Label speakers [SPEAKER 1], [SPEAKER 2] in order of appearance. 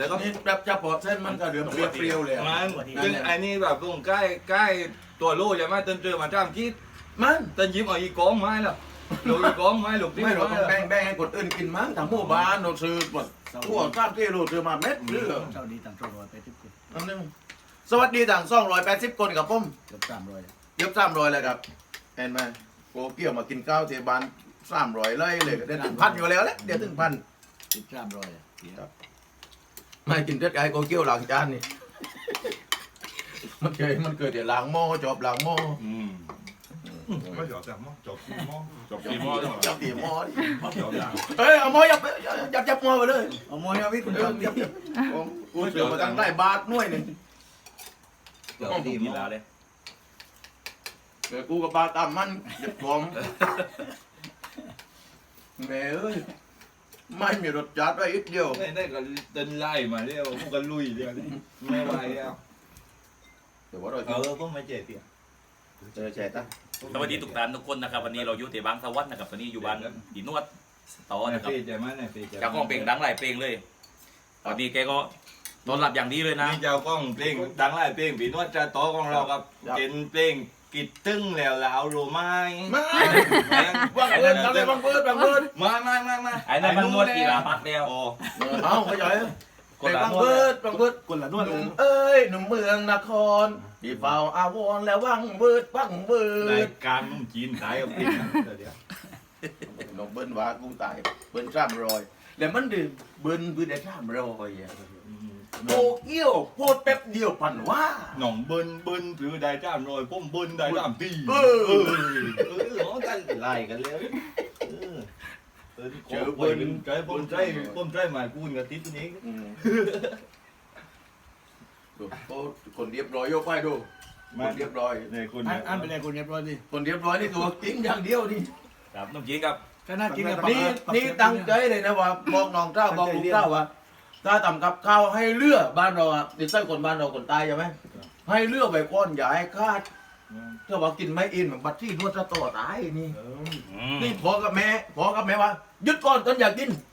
[SPEAKER 1] แต่ก็
[SPEAKER 2] นี่แบบจะปอดเส้นมันก็เดือดเปรี้ยวๆเลย
[SPEAKER 1] มันซึ่งไอ้นี่แบบตรงใกล้ตัวลูกใช่ไหมเตินเจอมาจ้ามคิด
[SPEAKER 2] มัน
[SPEAKER 1] เตินยิ้มเอาอีกกองไม้แล้วหลูกอีกกองไม้หลูกที่
[SPEAKER 2] ไม่เรา
[SPEAKER 1] ไม้
[SPEAKER 2] ต้องแบ่งให้คนอื่นกินมั้งทั้งหมู่บ้านเราซื้อหมดพวกข้ามที่เราซื้อมาเม็ดเรือ
[SPEAKER 3] เท่านี้ต่างโซ่ร้อยไปทุกคน
[SPEAKER 2] อันนึงสวัสดีต่าง280 คนกับผม
[SPEAKER 3] เกือบ300
[SPEAKER 2] เย็บ300เลยครับเห็นไหมโกเกี่ยวมากินข้าวเทบาน300เลยเดี๋ยวถึงพันอยู่แล้วแหละเดี๋ยวถึงพัน ไม่กินเด็ดไก่โกเกี่ยวล้างจานนี่ มันเคยเดี๋ยวล้างหม้อจอบล้างหม้อ
[SPEAKER 4] ไม่จบแต่หม้อจบกี่หม้อจบ
[SPEAKER 1] กี่หม้อ
[SPEAKER 2] จับตีหม้อดิ
[SPEAKER 4] จบอย่าง
[SPEAKER 2] เฮ้ยเอาหม้อยับหม้อไปเลย
[SPEAKER 3] เอามวยเอาพี่คุณจอม
[SPEAKER 2] ยับผมกูเสือมาตั้งได้บาทหน่วยหนึ่ง
[SPEAKER 1] เดี๋ยวดีมีลาเลย
[SPEAKER 2] เดี๋ยวกูกับบาตามมันเด็ดผมแม่เอ้ยไม่มีรสจัดไว้อีกเดียว
[SPEAKER 1] ไม่ได้ก็เดินไล่มาเรียวพวกกันลุยเรียวไม่ไหวแล้ว
[SPEAKER 2] เดี๋ยวว่าเรา
[SPEAKER 1] พวกไม่เจ็บเปีย
[SPEAKER 2] เจอแชร์ตั้ง
[SPEAKER 5] สวัสดีทุกท่านทุกคนนะครับวันนี้เราอยู่ที่บางสะวัสดิ์นะครับวันนี้อยู่บ้านดีนวดต่อ
[SPEAKER 1] ใน
[SPEAKER 5] นะครับ
[SPEAKER 1] เฟซใช่ไหมในเฟซ
[SPEAKER 5] จากกล้องเพลงดังหลายเพลงเลยตอนนี้แกก็นอนหลับอย่างดีเลยนะ
[SPEAKER 1] นี่เจ้ากล้องเพลงดังหลายเพลงพี่นวดจะโตของเราครับเป็นเพลงกิดตึ้งแล้วแล้วรู้ไหม
[SPEAKER 2] มาบางเบิร์ดอะไรบางเบิร์ด
[SPEAKER 1] มา
[SPEAKER 5] ไอ้นั่นมันนวดกีฬาพักแล้ว
[SPEAKER 1] โอ้
[SPEAKER 2] เอาไปจ่อย
[SPEAKER 5] คนละ
[SPEAKER 2] บาง
[SPEAKER 5] นว
[SPEAKER 2] เบิ
[SPEAKER 5] ด
[SPEAKER 2] ร์ดบางเบิร์ด
[SPEAKER 3] คนละนวด
[SPEAKER 2] หนุ่มเอ้ยหนุ่มเมืองนครที่เฝ้าอาวรแล้ววังเบิร์ดวังเบิ
[SPEAKER 1] ราย
[SPEAKER 2] ร์ด
[SPEAKER 1] การมึงจีนตายกับพี่นะเดี๋ยว
[SPEAKER 2] น้องเบิ้ลว่ากูตายเบิ้ล300แล้วมันดื่มเบิ้ลเบิ้ลได้300อ่ะโกเกี้ยวพูดแป๊บเดียวพันว่า
[SPEAKER 1] หน่องเบิ้ลหรือได้จ้ามรอยผมเบิ้ลได้จ้ามตีร้องกันไล่กันเลยเจอเบิ้ลใจผมใจหมายกูกับทิศนี้
[SPEAKER 2] ดูคนเรียบร้อยยกไปดูคนเรียบร้อย
[SPEAKER 1] เนี่ยคุณ
[SPEAKER 3] อันเป็นไรคนเรียบร้อยดิ
[SPEAKER 2] คนเรียบร้อยนี่ตัวกิ้งอย่างเดียวนี่
[SPEAKER 5] ครับน้องจีนครับ
[SPEAKER 3] ก็น่ากินกับ
[SPEAKER 2] นี่ตั้งใจเลยนะว่าบอกน้องเจ้าบอกลูกเจ้าว่าถ้าทำกับข้าวให้เลือบ้านเราอ่ะติดไส้คนบ้านเราคนตายใช่ไหมให้เลือไปก้อนอย่าให้คาดถ้าว่ากินไม่อินแบบบัตรที่นวดจะต่อตายนี่นี่พ่อกับแม่ว่าหยุดก่อนตอนอยากกิน